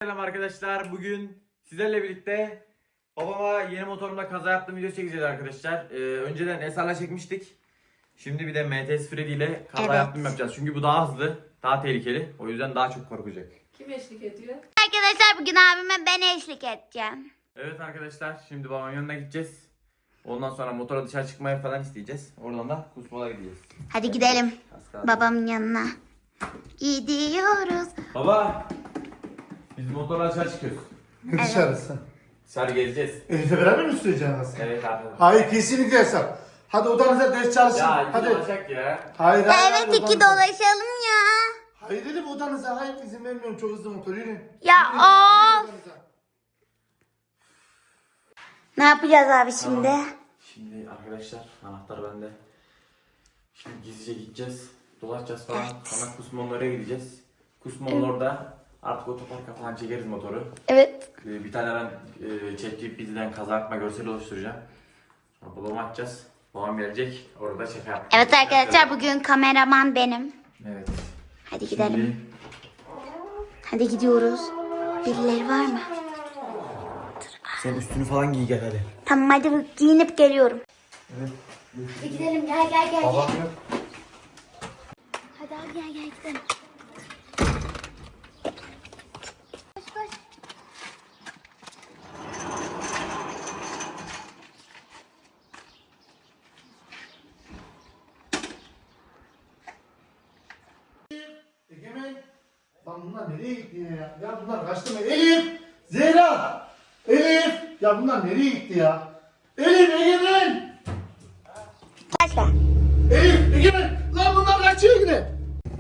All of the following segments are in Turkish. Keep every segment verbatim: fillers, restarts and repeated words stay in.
selam arkadaşlar. Bugün sizlerle birlikte babama yeni motorumla kaza yaptığım video çekeceğiz arkadaşlar. Ee, önceden S R'la çekmiştik. Şimdi bir de M T S Freddy ile kaza Evet. yaptığım yapacağız. Çünkü bu daha hızlı, daha tehlikeli. O yüzden daha çok korkacak. Kim eşlik ediyor? Arkadaşlar bugün abime ben eşlik edeceğim. Evet arkadaşlar, şimdi babamın yanına gideceğiz. Ondan sonra motora dışarı çıkmaya falan isteyeceğiz. Oradan da kusmola gideceğiz. Hadi gidelim Az kaldı. babamın yanına. Gidiyoruz. Baba, biz motorla dışarı çıkıyoruz. Ne dışarısı? Dışarı gezeceğiz. Elif'le beraber mi süreceğiniz? Evet abi. Hayır, kesinlikle yasak. Hadi odanıza ders çalışın. Ya Hadi. olacak ya. Hayır, hayır, hayır, Evet iki odanıza. dolaşalım ya. Hayır Elif, odanıza. Hayır, izin vermiyorum. Çok hızlı motor. Yürüyün. Ya Yürüyün, of. yürüyün odanıza. Ne yapacağız abi şimdi? Tamam. Şimdi arkadaşlar anahtar bende. Şimdi gizlice gideceğiz. Dolaşacağız falan. Sonra Kusmonlar'a gideceğiz. Kusmon'un orada artık otoparka falan çekeriz motoru. Evet. Ee, Bir tane ben e, ChatGPT'den kaza yapma görseli oluşturacağım. Sonra babama atacağız. Babam gelecek. Orada şaka yapacağız. Evet arkadaşlar bugün kameraman benim. Evet. Hadi gidelim. Şimdi Hadi gidiyoruz. Birileri var mı? sen üstünü falan giy gel hadi. Tamam hadi giyinip geliyorum. Evet. Hadi gidelim gel gel gel. Babam yok. Hadi abi gel gel gidelim. Koş koş. Egemen. Lan bunlar nereye gitti ya? Ya bunlar kaçtı mı? Elif! Zehra! Elif! Ya bunlar nereye gitti ya? Elif, Egemen! Başla. Elif, Egemen! Lan bunlar kaçıyor yine.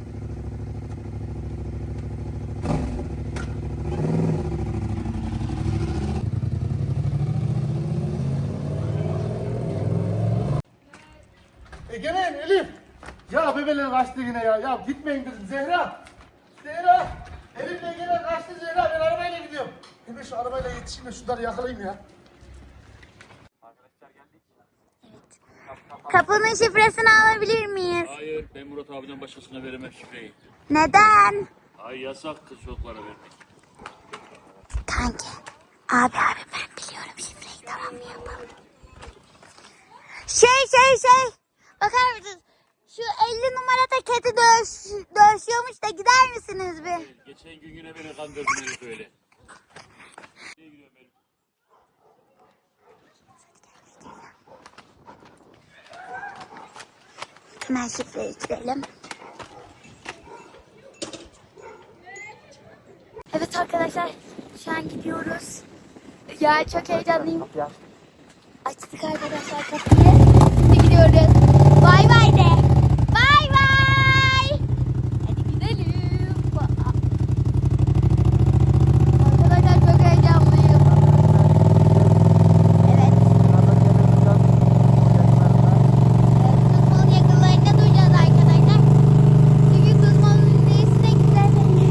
Egemen, Elif! Ya bebeler kaçtı yine ya. Ya gitmeyin dedim. Zehra! Zehra! Elif'le Egemen kaçtı Zehra. Ben arabayla gidiyorum. Hemen şu arabayla yetişeyim de şunları yakalayayım ya. Arkadaşlar geldik. Kapının şifresini alabilir miyiz? Hayır, ben Murat abiden başkasına veremem şifreyi. Neden? Ay yasak kız çocuklara vermek. Kanki. Abi abi ben biliyorum şifreyi tamam mı yapalım? Şey şey şey. Bakar mısınız? Şu elli numarada kedi dövüş, dövüşüyormuş da gider misiniz bir? Geçen gün yine beni kandırdın herif öyle. Nereye gidiyorum Elif? Hemen şifreyi girelim. Evet arkadaşlar şu an gidiyoruz. Ya çok heyecanlıyım. Açtık arkadaşlar kapıyı. Şimdi gidiyoruz. Bay bay de. Bay bay. Hadi gidelim. Arkadaşlar çok heyecanlıyım. Evet. Kuzma'nın yakınlarında duracağız arkadaşlar. Çünkü Kuzma'nın üstüne gidelim.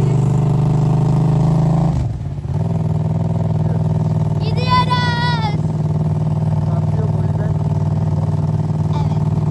Gidiyoruz. Evet.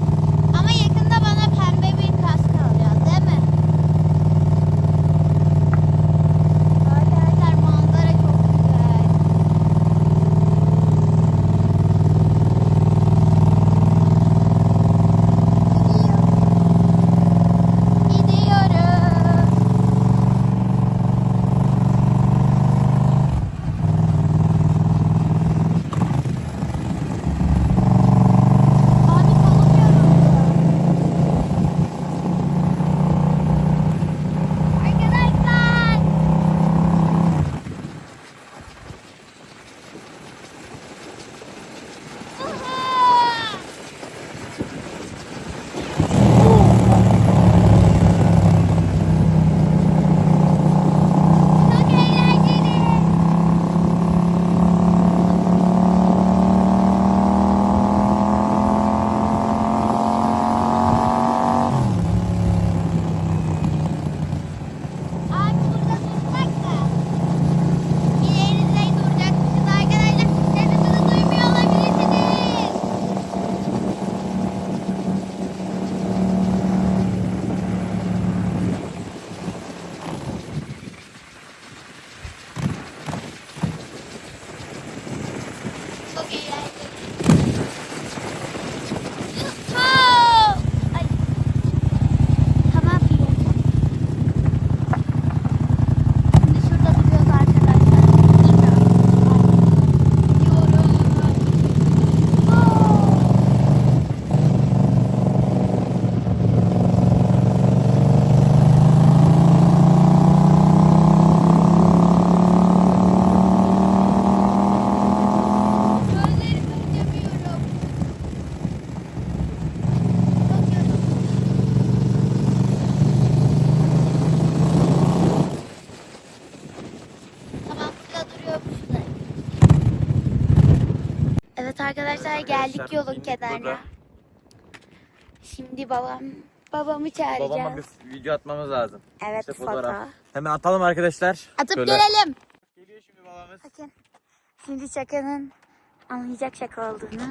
arkadaşlar geldik Arkadaşlar, yolun indik kenarına. burada. Şimdi babam babamı çağıracağız. Babama bir video atmamız lazım. Evet, İşte foto. fotoğraf. Hemen atalım arkadaşlar. Atıp Şöyle. gelelim. Geliyor şimdi babamız. Bakın. Şimdi şakanın anlayacak şaka olduğunu.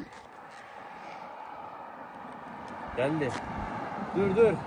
Geldi. Dur dur.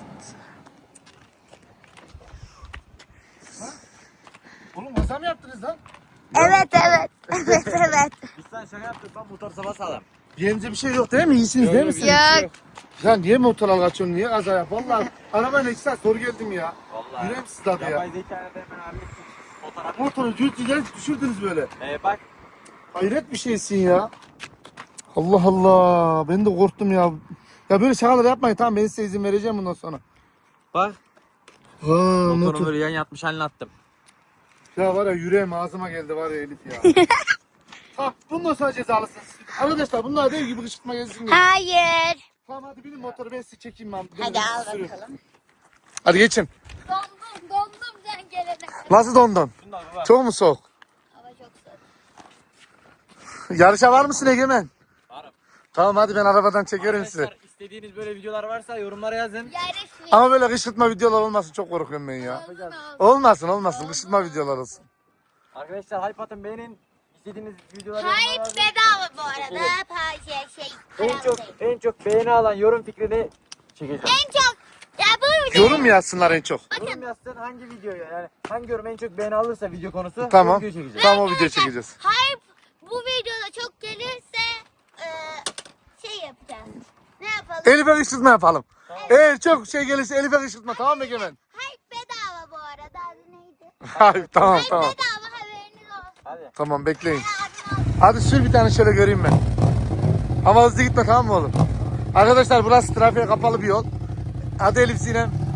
Oğlum masa mı yaptınız lan? Evet evet. Evet evet. Biz sen şaka yaptık lan motor sabah sağlam. Yerinize bir şey yok değil mi? İyisiniz değil misiniz? Yok. Ya niye motor kaçıyorsun? Niye kaza yap? Vallahi arabayla iki saat soru geldim ya. Vallahi. Yüreğim sızladı ya. Yapay zekayla da hemen hallettik. Fotoğraf. Motoru cüzdüden düşürdünüz böyle. Ee, bak. Hayret bir şeysin ya. Allah Allah. Ben de korktum ya. Ya böyle şakalar yapmayın. Tamam ben size izin vereceğim bundan sonra. Bak. Ha, Motoru motor. böyle yan yatmış haline attım. Ya var ya yüreğim ağzıma geldi var ya Elif ya. Ha, bundan sonra cezalısınız. Arkadaşlar bunlar dev gibi kışkırtma gelsin diye. Hayır. Tamam hadi binin motoru ben size çekeyim ben. Hadi al Sürün. bakalım. Hadi geçin. Dondum dondum sen gelene. Nasıl dondun? Şundan bak. Çok mu soğuk? Hava çok soğuk. Yarışa var mısın Egemen? Varım. Tamam hadi ben arabadan çekerim sizi. Arkadaşlar istediğiniz böyle videolar varsa yorumlara yazın. Yarış mı? Ama böyle kışkırtma videolar olmasın çok korkuyorum ben ya. Olmasın olmasın kışkırtma videolar olsun. Arkadaşlar hype atın beğenin. İstediğiniz videoları Hayır yorumlara yazın. bedava bu arada. Pa- şey, şey, En paralı çok değil. en çok beğeni alan yorum fikrini çekeceğim. En çok. Ya bu video. Yorum mu yazsınlar en çok? Yorum yazsın hangi videoyu yani hangi yorum en çok beğeni alırsa video konusu Tamam. o videoyu çekeceğiz. Tamam o video çekeceğiz. Hayır bu videoda çok gelirse e, şey yapacağız. Ne yapalım? Elif'e kışkırtma yapalım. Eğer çok şey gelirse Elif'e kışkırtma tamam mı Egemen? Hayır bedava bu arada. Adı neydi? Hayır tamam Hayır tamam. bedava haberiniz olsun. Hadi. Tamam bekleyin. Abim olsun. Hadi sür bir tane şöyle göreyim ben. Ama hızlı gitme tamam mı oğlum? Arkadaşlar burası trafiğe kapalı bir yol. Hadi Elif Sinem.